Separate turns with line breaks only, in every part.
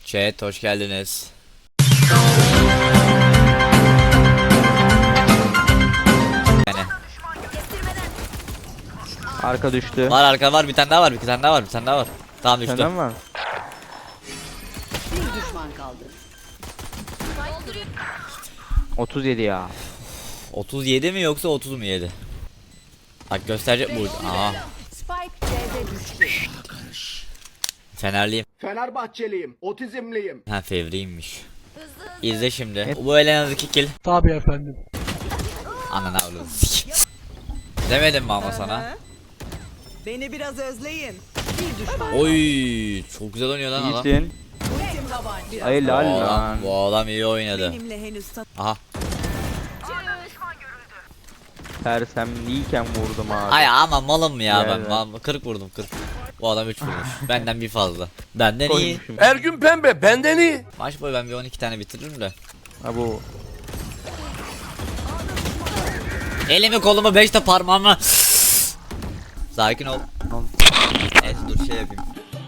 Chat hoş geldiniz. Yani.
Arka düştü.
Var arka var, bir tane daha var, bir tane daha var, bir tane daha var. Tamam düştü.
Senden var.
Bir düşman kaldı.
37 ya.
37 mi yoksa 30 mu yedi? Bak gösterecek bu. Aa.
Spike C'de düştü.
Fenerliyim.
Fenerbahçeliyim, otizmliyim.
Ha fevriymiş. İzle şimdi. Bu ele en az 2 kill.
Tabii efendim.
Ananı avradım. Demedim mi ama sana?
Beni biraz özleyin.
Bir düşman.
Oy, çok güzel oynuyor lan adam.
İyisin. Ay
Bu
lal
adam,
lan.
bu adam iyi oynadı.
Benimle henüz
Aha.
Sersemliyken vurdum abi.
Ay ama malım ya
Gel
ben.
lan.
40 vurdum 40. Bu adam 3 vurmuş. Benden bir fazla. Benden iyi.
Koymuşum.
Ergün Pembe benden iyi.
Maç boyu ben bir 12 tane bitiririm de.
Ha bu.
Elimi kolumu 5 de parmağımı. Sakin ol. Evet dur şey yapayım.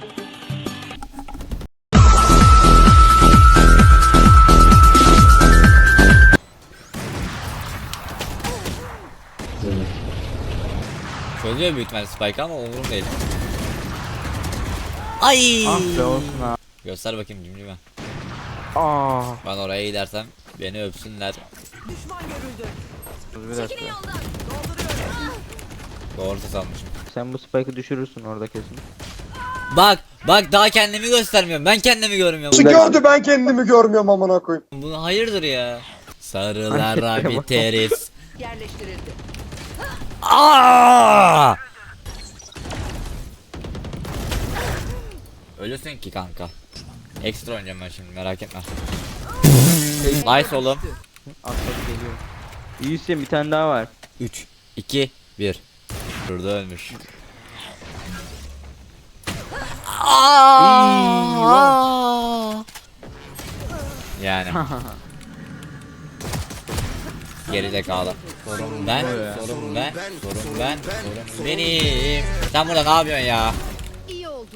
Çözüyor büyük ihtimalle Spike ama umurum değil. Ay!
Ah be olsun ha.
Göster bakayım cimcime.
Aa.
Ben oraya gidersem beni öpsünler.
düşman görüldü.
Dur bir dakika.
Doğru sanmışım.
Sen bu spike'ı düşürürsün orada kesin.
Bak daha kendimi göstermiyorum. Ben kendimi görmüyorum.
Gördü ben kendimi görmüyorum amına koyayım.
Bu hayırdır ya? Sarılara biteriz.
Yerleştirildi.
Aa! Ölürsün ki kanka. Ekstra oynayacağım ben şimdi merak etme. Nice oğlum.
Atladı geliyor. İyisin bir tane daha var.
3 2 1. Burada ölmüş. Aa! Yani. Gerizekalı. Sorun ben, sorun ben, sorun ben, sorun benim. Sen burada ne yapıyorsun ya?
İyi oldu.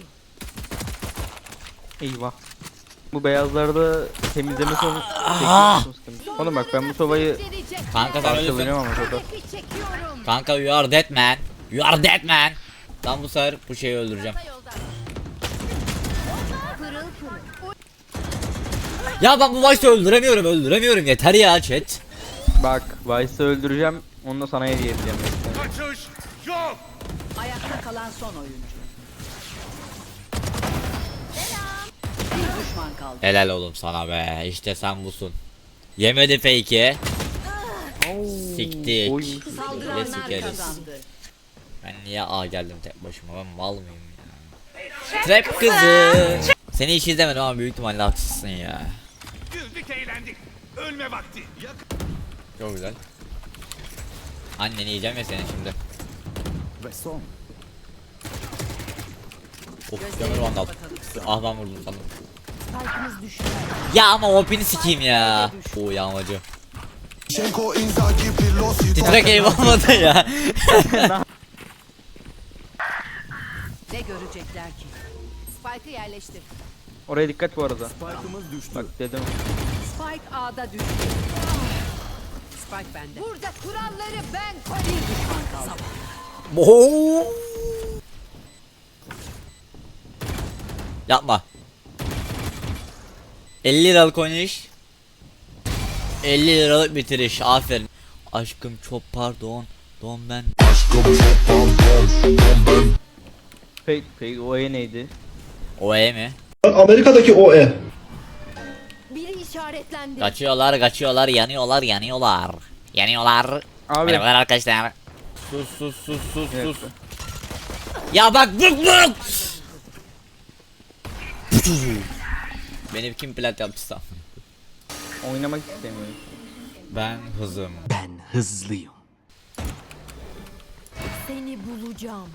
Eyvah. Bu beyazlarda temizleme sonu
Ah!
çekiyorsun. Oğlum bak ben bu sobayı
Kanka sen ölürsün.
parçalayacağım ama soba.
Çekiyorum.
Kanka you are dead man. You are dead man. Lan bu sefer bu şeyi öldüreceğim.
Pırıl pırıl.
Ya ben bu Vice'ı öldüremiyorum yeter ya chat.
Bak Vice'ı öldüreceğim. Onu da sana hediye edeceğim.
Ayakta kalan son oyuncu. Bir düşman kaldı.
Helal oğlum sana be. İşte sen busun. Yemedi fake'i. Siktik.
Oy.
Ne
Saldıranlar
sikeriz.
kazandı.
Ben niye A geldim tek başıma? Ben mal mıyım ya? Trap kızı. Seni hiç izlemedim ama büyük ihtimalle haksızsın ya.
Güldük eğlendik. Ölme vakti.
Çok güzel. Anneni yiyeceğim ya seni şimdi.
Ve son.
Of canım vandal. Ah ben vurdum sandım.
Spike'ımız düştü.
Ya ama OP'ni sikeyim ya. Oo yağmacı. Titrek eyvah olmadı ya.
Ne görecekler ki? Spike'ı yerleştir.
Oraya dikkat bu arada. Bak dedim.
Spike A'da düştü. Spike bende. Burada kuralları ben koyayım. Bir düşman kaldı.
Oo. Yapma. 50 liralık oynayış. 50 liralık bitiriş. Aferin. Aşkım çok pardon. Don ben.
Fake o neydi?
OE mi?
Amerika'daki OE.
Biri işaretlendi.
Kaçıyorlar, yanıyorlar.
Abi.
Merhabalar arkadaşlar. Sus. Ya bak bık. Beni kim plat yaptıysa.
Oynamak istemiyorum.
Ben hızım.
Seni bulacağım.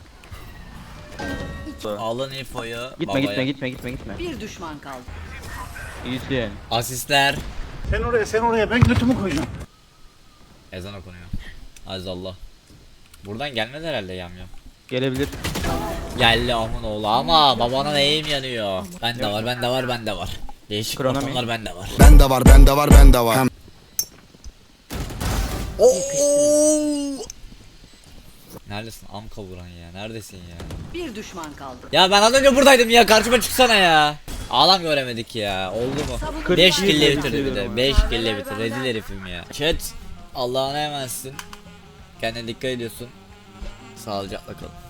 Alın infoyu.
Gitme
babaya.
gitme.
Bir düşman kaldı.
İyisin.
Asistler.
Sen oraya ben götümü koyacağım.
Ezan okunuyor. Azallah. Buradan gelmez herhalde yamyam.
Gelebilir.
Geldi amın oğlu ama babana neyim yanıyor. Bende var. Değişik
Kronomi.
ortamlar bende var.
Bende var, bende var, bende var.
Neredesin amka vuran ya? Neredesin ya?
Bir düşman kaldı.
Ya ben az önce buradaydım ya, karşıma çıksana ya. Ağlam göremedik ya. Oldu mu?
Savunucu
5
var.
kille bitirdi bir
Seviyorum
de.
ama.
5 kille bitirdi. Rezil herifim ya. Chat Allah'ına emanetsin. Kendine dikkat ediyorsun. Sağlıcakla kalın.